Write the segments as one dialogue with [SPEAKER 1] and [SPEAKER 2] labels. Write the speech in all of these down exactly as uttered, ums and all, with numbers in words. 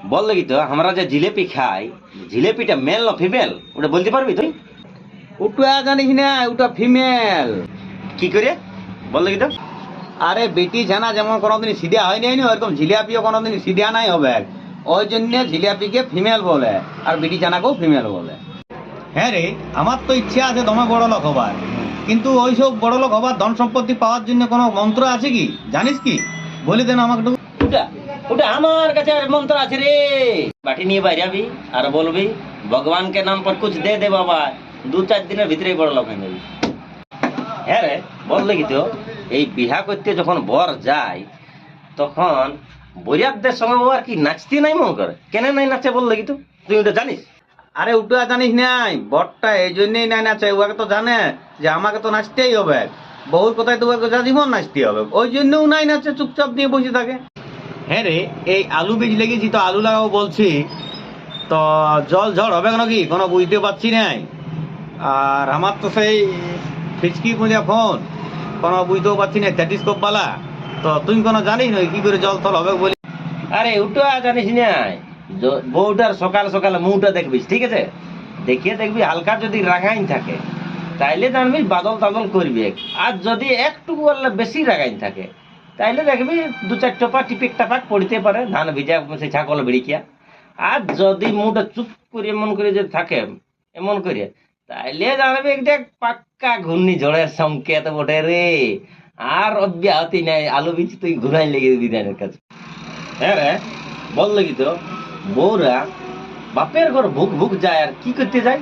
[SPEAKER 1] বল দেখি তো, আমরা যে জিলেপি খাই, জিলেপিটা মেল না ফিমেল ওটা বলতে পারবি তুই?
[SPEAKER 2] ওটা জানিস না, ওটা ফিমেল।
[SPEAKER 1] কি করে বল দেখি তো?
[SPEAKER 2] আরে বেটি ছানা যেমন কোনোদিন সিধা হয় নাই না, ওরকম জিলাপিও কোনোদিন সিধা নাই হবে। ওই জন্য জিলাপিকে ফিমেল বলে, আর বেটি ছানাকেও ফিমেল বলে। হ্যাঁ রে, আমার তো ইচ্ছা আছে দমে বড় লোক হবার, কিন্তু ওইসব বড় লোক হবার ধন সম্পত্তি পাওয়ার জন্য কোনো মন্ত্র আছে কি জানিস কি? বলি দেন আমাকে একটু।
[SPEAKER 1] ওটা ওটা আমার কাছে আর মন্ত্র আছে রে। বাটি নিয়ে বাইরে যাবি আর বলবি ভগবান কে নাম पर कुछ दे दे বাবা, দু চার দিনের ভিতরেই বড় লোক হয়ে যাবি। হ্যাঁ রে, বল দেখি তো, এই বিহা করতে যখন বর যায় তখন বরিয়াতদের সঙ্গে ও আর কি নাচতে নাই মন করে, কেন নাই নাচে বল দেখি তো, তুই ওটা জানিস?
[SPEAKER 2] আরে ওটা জানিস নাই, বরটা এই জন্যই নাই নাচে, ওকে তো জানে যে আমাকে তো নাচতেই হবে, বহুর কথায় তো ওকে যা জীবন নাচতে হবে, ওই জন্যও নাই নাচে, চুপচাপ দিয়ে বসে থাকে। হ্যাঁ রে, এই আলু বীজ লেগেছি তো আলু লাগাবো বলছি, তো জল ঝড় হবে নাকি কোনো বুঝতে পারছি নাই। আর আমার তো সেই ফিচকি পুঁজা ফোন, কোনো বুঝতেও পারছি না স্ট্যাটিস্কোপ বালা, তো তুই কোনো জানিস না কি করে জল থল হবে বলি?
[SPEAKER 1] আরে ওটা জানিস নাই, জ- বউটার সকাল সকাল মুখটা দেখবিস, ঠিক আছে? দেখিয়ে দেখবি হালকা যদি রাগাইন থাকে তাইলে জানবি বাদল তাদল করবি, আর যদি একটু বললে বেশি রাগাইন থাকে তাইলে দেখবি দু চার টোপা টিপিক টাপাক পড়তে পারে, ধান ভিজা সে ছাগল ভিড়িকিয়া। আর যদি মুখটা চুপ করে এমন করে যে থাকে এমন করে, তাইলে জানবি একটা পাক্কা ঘূর্ণিঝড়ের সংকেত বটে রে। আর অব্যাহতি নাই, আলু বীজ তুই ঘুরাই লেগে বিধানের কাছে। হ্যাঁ রে, বল দেখি তো, বউরা বাপের ঘর ভুক ভুক যায় আর কি করতে যায়?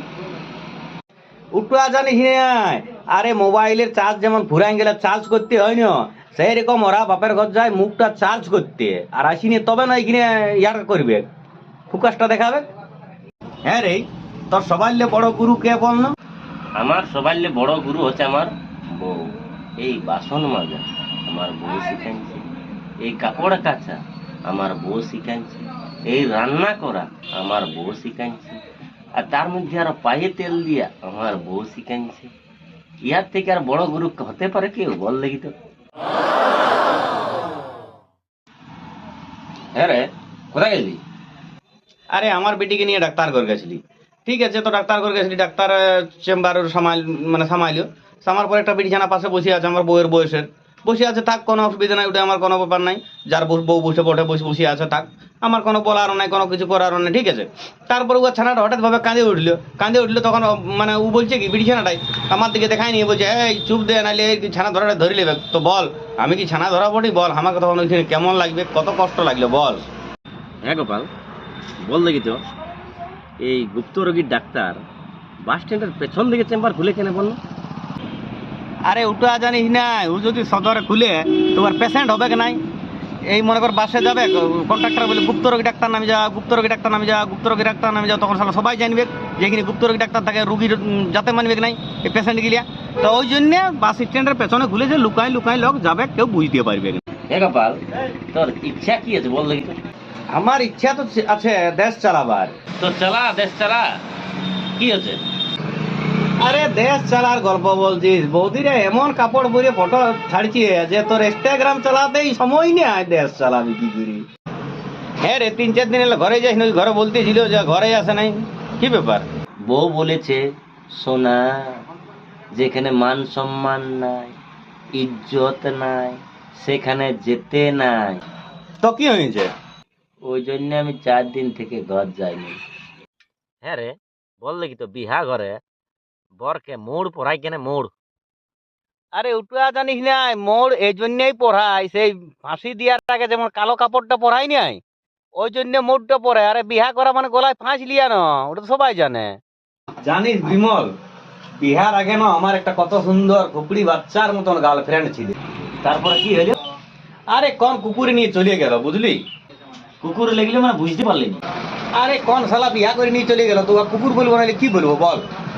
[SPEAKER 2] উঠা জানিস নাই, আরে মোবাইলের চার্জ যেমন ফুরাই গেলে চার্জ করতে হয় না, সেই রকম ওরা বাপের ঘর যায় মুখটা চার্জ করতে, আর আসিনি তবে না এখানে ইয়ার করবে, ফোকাসটা দেখাবে। হ্যাঁ রে, তোর সবাই বড় গুরু কে বল না?
[SPEAKER 1] আমার সবার বড় গুরু হচ্ছে আমার বউ। এই বাসন মাজা আমার বউ শিখাইছে, এই কাপড় কাচা আমার বউ শিখাইছে, এই রান্না করা আমার বউ শিখাইছে, আর তার মধ্যে আরো পায়ে তেল দিয়া আমার বউ শিখাইছে। ইয়ার থেকে আর বড় গুরু হতে পারে কেউ বল দেখি তো? হ্যাঁ রে, কোথায় গেলি?
[SPEAKER 2] আরে আমার বেটিকে নিয়ে ডাক্তার ঘর গেছিলি, ঠিক আছে, তো ডাক্তার ঘর গেছিলি, ডাক্তার চেম্বার সামাল মানে সামাইলো, সামার পর একটা বিছানা পাশে বসে আছে আমার বউয়ের বয়সের, বসে আছে, থাক কোনো অসুবিধা নাই, ওটা আমার কোনো ব্যাপার নাই, যার বউ বউ বসে পড়ে বসে বসে আছে থাক, আমার কোনো বলারও নাই, কোনো কিছু করারও নাই, ঠিক আছে। তারপর ও ছানাটা হঠাৎ ভাবে কাঁদে উঠলো, কাঁদে উঠলো তখন ও মানে ও বলছে কি বিছানাটাই আমার দিকে দেখায় নিয়ে বলছে এই চুপ দে, নাহলে এই ছানা ধরাটা ধরে নেবে, তো বল আমি কি ছানা ধরা পড়ি, বল আমাকে তখন ওইখানে কেমন লাগবে, কত কষ্ট লাগলো বল।
[SPEAKER 1] হ্যাঁ গোপাল, বল দেখি তো, এই গুপ্ত রোগীর ডাক্তার বাস স্ট্যান্ডের পেছন দিকে চেম্বার খুলে কেন বললো?
[SPEAKER 2] আরে ওটা জানিস না, ও যদি সদরে খুলে তোমার পেশেন্ট হবে কি নাই, এই মনে কর বাসে যাবে কন্ট্রাক্টর বলে গুপ্ত রোগী ডাক্তার নামে যা, গুপ্ত রোগী ডাক্তার নামে যা, গুপ্ত রোগী ডাক্তার নামে যা, তখন সালা সবাই জানবে যে এখানে গুপ্ত রোগী ডাক্তার থাকে, রুগীর যাতে মানবে কি নাই এই পেশেন্ট গিলিয়া, তো ওই জন্য বাস স্ট্যান্ডের পেছনে খুলে যে লুকাই লুকাই লোক যাবে, কেউ বুঝতে পারবে না।
[SPEAKER 1] হ্যাঁ গোপাল, তোর ইচ্ছা কি আছে বল দেখি তো?
[SPEAKER 2] আমার ইচ্ছা তো আছে দেশ চালাবার।
[SPEAKER 1] তো চালা, দেশ চালা, কি হচ্ছে?
[SPEAKER 2] আরে দেশ চালার গল্প বলছিস, বৌদিরা এমন কাপড় পরে ফটো ছাড়ছে যে তোর ইনস্টাগ্রাম চালাতেই সময় নেই, দেশ চালাবি কি করি? হ্যাঁ রে, তিন চার দিন এলে ঘরে যাস না, ঘরে বলতেছিল যে ঘরে আসে নাই, কি ব্যাপার?
[SPEAKER 1] বউ বলেছে সোনা, যেখানে মান সম্মান নাই, ইজ্জত নাই, সেখানে যেতে নাই।
[SPEAKER 2] তো কি হয়েছে?
[SPEAKER 1] ওই জন্য আমি চার দিন থেকে ঘর যাইনি। হ্যাঁ রে, বল দেখি তো, বিহা ঘরে বরকে মোড় পড়াই কেন মোড়?
[SPEAKER 2] আরে ওটা জানিস না, মোর এই জন্যই পড়াই, সেই ফাঁসি দেওয়ার আগে যেমন কালো কাপড়টা পড়াই নাই, ওই জন্য মোড়টা পরে, আরে বিহা করা মানে গলায় ফাঁস লিয়া না, ওটা তো সবাই জানে। জানিস বিমল, বিহার আগে না আমার একটা কত সুন্দর কুকুরি বাচ্চার মতন গার্লফ্রেন্ড ছিল,
[SPEAKER 1] তারপরে কি হলো?
[SPEAKER 2] আরে কোন কুকুরে নিয়ে চলে গেল বুঝলি?
[SPEAKER 1] কুকুর লেগলে মানে বুঝতে পারলি না?
[SPEAKER 2] আরে কোন শালা বিয়া করে নিয়ে চলে গেল, তো কুকুর বলবো নাহলে কি বলবো বল?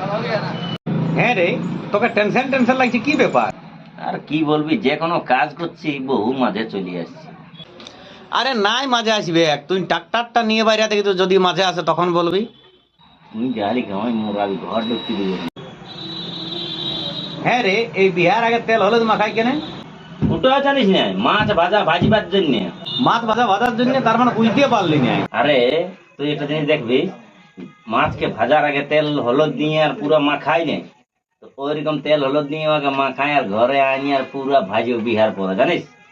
[SPEAKER 2] হ্যাঁ রে, তোকে টেনশন টেনশন লাগছে, কি ব্যাপার?
[SPEAKER 1] আর কি বলবি, যে কোনো কাজ করছি বহু মাঝে চলে আসছে।
[SPEAKER 2] আরে নাই মাঝে আসবে, তুই ট্রাক্টারটা নিয়ে বাইরে থেকে তো যদি মাঝে আসে তখন বলবি।
[SPEAKER 1] তুই জানি কেমন মোরাবি ঘর ঢুকতে দিবি?
[SPEAKER 2] হ্যাঁ রে, এই বিহার আগে তেল হলুদ মাখাই কেনে?
[SPEAKER 1] ওটা ওটা জানিস না, মাছ ভাজা ভাজিবার জন্য।
[SPEAKER 2] মাছ ভাজা ভাজার জন্য, তার মানে বুঝতে পারলি না।
[SPEAKER 1] আরে তুই একটা জিনিস দেখবি, মাছকে ভাজার আগে তেল হলুদ দিয়ে আর পুরো মাখাই নেই, তো ওইরকম তেল হলুদ দিয়ে ওকে মাখায় আর ঘরে আনি আর পুরো ভাজি বিহার পরে, জানিস?